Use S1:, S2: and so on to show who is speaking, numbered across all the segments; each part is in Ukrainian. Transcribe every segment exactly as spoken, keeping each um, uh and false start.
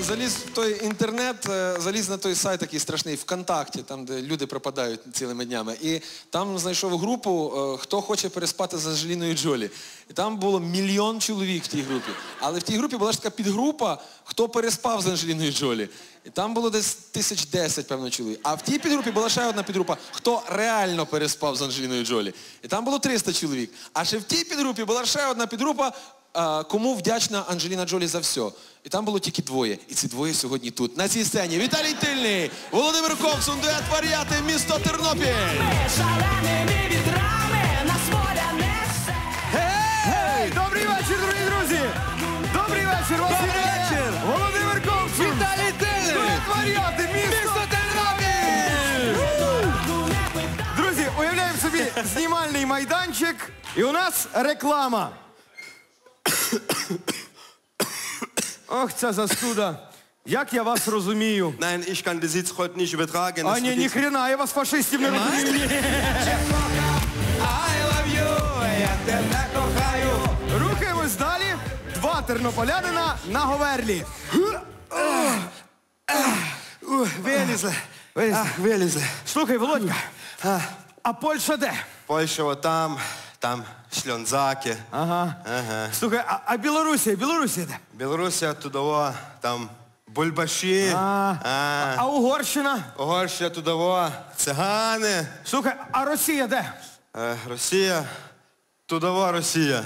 S1: заліз в той інтернет, заліз на той сайт такий страшний, ВКонтакті, там, де люди пропадають цілими днями. І там знайшов групу, хто хоче переспати з Анджеліною Джолі. І там було мільйон чоловік в тій групі. Але в тій групі була ж така підгрупа, хто переспав з Анджеліною Джолі. І там було десь тисяч десять, певно, чоловік. А в тій підгрупі була ще одна підгрупа, хто реально переспав з Анджеліною Джолі. І там було триста чоловік. А ще в тій підгрупі була ще одна підгрупа, кому вдячна Анджеліна Джолі за все. І там було тільки двоє. І ці двоє сьогодні тут, на цій сцені. Віталій Тильний, Володимир Ковсун, дует «Варіати», місто Тернопіль.
S2: Гей! Добрий вечір, дорогі друзі! Добрий вечір, вас вітає Володимир Ковсун!
S1: Віталій Тильний!
S2: Дует «Варіати», місто Тернопіль! Друзі, уявляємо собі знімальний майданчик, і у нас реклама. Ох, ця застуда. Як я вас розумію.
S3: Nein, ich kann den Sitz heute nicht übertragen.
S2: А ні, ні хрена, я вас фашистів не розумію. Рухаємось далі. Два тернополянина на говерлі.
S3: Вилізли.
S2: Вилізли.
S3: Вилізли.
S2: Слухай, Володька, а Польща де?
S3: Польща от там, там шльонзаки.
S2: Ага.
S3: Ага.
S2: Слухай, а, а Білорусія, Білорусія де?
S3: Білорусія тудово, там бульбаші.
S2: А,
S3: А.
S2: а Угорщина?
S3: Угорщина тудово, цигани.
S2: Слухай, а Росія де?
S3: Е, Росія, тудово Росія.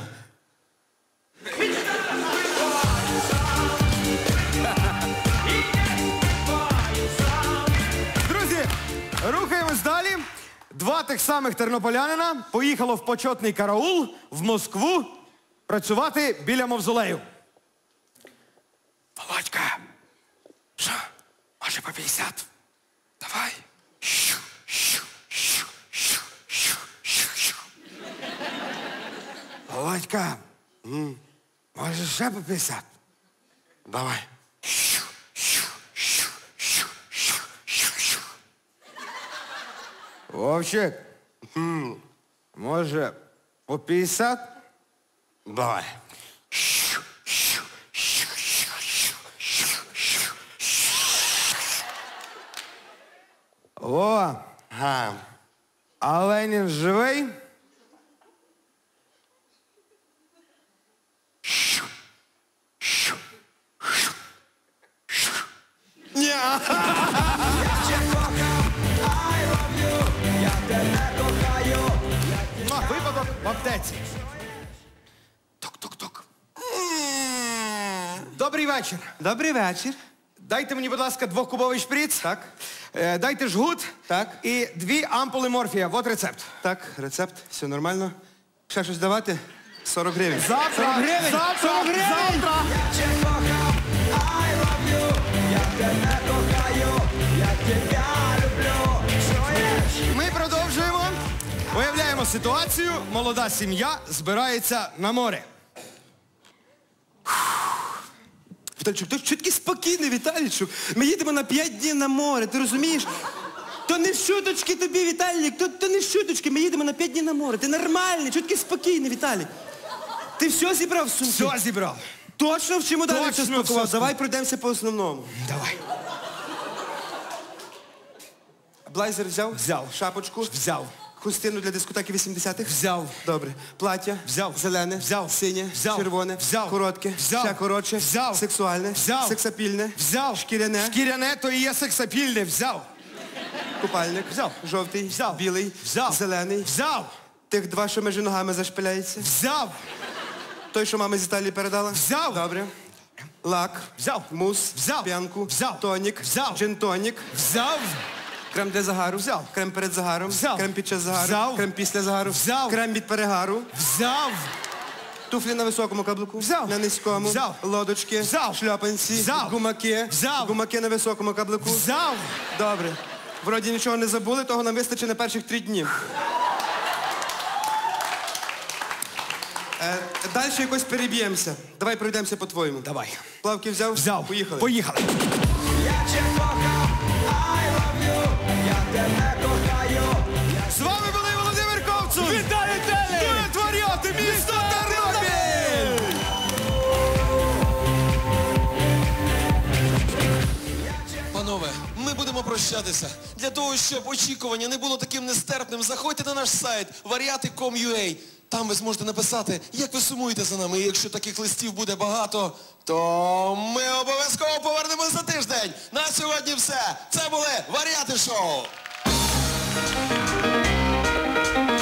S2: Друзі, рухаємось далі. Два тих самих тернополянина поїхало в почетний караул в Москву працювати біля мавзолею. Володька, що, може по п'ятдесят? Давай. Щу, щу, щу, щу, щу, щу, щу. Володька, м, може ще по п'ятдесят?
S3: Давай.
S2: Щу, щу, щу, щу, щу, щу, щу. Вовчик, м, може по п'ятдесят?
S3: Давай.
S2: Щу, щу, щу, щу, щу, щу, щу, щу. О,
S3: Ага.
S2: а Ленін живий? Щу, щу, щу, щу.
S3: Ні.
S2: Випадок в аптеці. Тук-тук-тук. Добрий вечір.
S3: Добрий вечір.
S2: Дайте мені, будь ласка, двохкубовий шприц.
S3: Так.
S2: Е, дайте жгут.
S3: Так.
S2: І дві ампули морфія. Вот рецепт.
S3: Так, рецепт, все нормально. Ще щось давати? сорок гривень.
S2: Завтра.
S3: сорок гривень.
S2: Завтра.
S3: сорок гривень.
S2: Завтра. Ми продовжуємо. Уявляємо ситуацію. Молода сім'я збирається на море.
S3: Віталійчук, ти що такий спокійний, Віталійчук? Ми їдемо на п'ять днів на море, ти розумієш? То не шуточки тобі, Віталік, то, то не шуточки, ми їдемо на п'ять днів на море. Ти нормальний, що такий спокійний, Віталій? Ти все зібрав в сумку?
S2: Все зібрав.
S3: Точно в чому далі
S2: Точно
S3: все
S2: все
S3: спакував?
S2: спакував.
S3: Давай пройдемося по основному.
S2: Давай.
S3: Блайзер взяв?
S2: Взяв.
S3: Шапочку?
S2: Взяв.
S3: Хустину для дискотеки вісімдесятих?
S2: Взяв.
S3: Добре. Плаття?
S2: Взяв.
S3: Зелене?
S2: Взяв.
S3: Синє?
S2: Взяв.
S3: Червоне?
S2: Взяв.
S3: Коротке?
S2: Взяв.
S3: Ще коротше?
S2: Взяв.
S3: Сексуальне?
S2: Взяв.
S3: Сексапільне?
S2: Взяв.
S3: Шкіряне?
S2: Шкіряне, то і є сексапільне. Взяв.
S3: Купальник?
S2: Взяв.
S3: Жовтий?
S2: Взяв.
S3: Білий?
S2: Взяв.
S3: Зелений?
S2: Взяв.
S3: Тих два, що між ногами зашпиляється?
S2: Взяв.
S3: Той, що мама з Італії передала?
S2: Взяв.
S3: Добре. Лак?
S2: Взяв.
S3: Мус?
S2: Взяв.
S3: П'янку?
S2: Взяв.
S3: Тонік?
S2: Взяв.
S3: Джин-тонік?
S2: Взяв.
S3: Крем для загару?
S2: Взяв.
S3: Крем перед загаром?
S2: Взяв.
S3: Крем під час загару?
S2: Взяв.
S3: Крем після загару?
S2: Взяв.
S3: Крем від перегару?
S2: Взяв.
S3: Туфлі на високому каблуку?
S2: Взяв.
S3: На низькому?
S2: Взяв.
S3: Лодочки?
S2: Взяв.
S3: Шльопанці?
S2: Взяв.
S3: Гумаки?
S2: Взяв.
S3: Гумаки на високому каблуку?
S2: Взяв.
S3: Добре. Вроді нічого не забули, того нам вистачить на перших три дні. Е, далі якось переб'ємося. Давай пройдемося по-твоєму.
S2: Давай.
S3: Плавки взяв?
S2: Взяв.
S3: Поїхали.
S2: Поїхали. З вами були Володимир Ковцун. Вітаю Телі. Дует «Варіати», місто Тернопіль.
S1: прощатися. Для того, щоб очікування не було таким нестерпним, заходьте на наш сайт варіати крапка ком крапка ю а. Там ви зможете написати, як ви сумуєте за нами. І якщо таких листів буде багато, то ми обов'язково повернемось за тиждень. На сьогодні все. Це були Варіати шоу.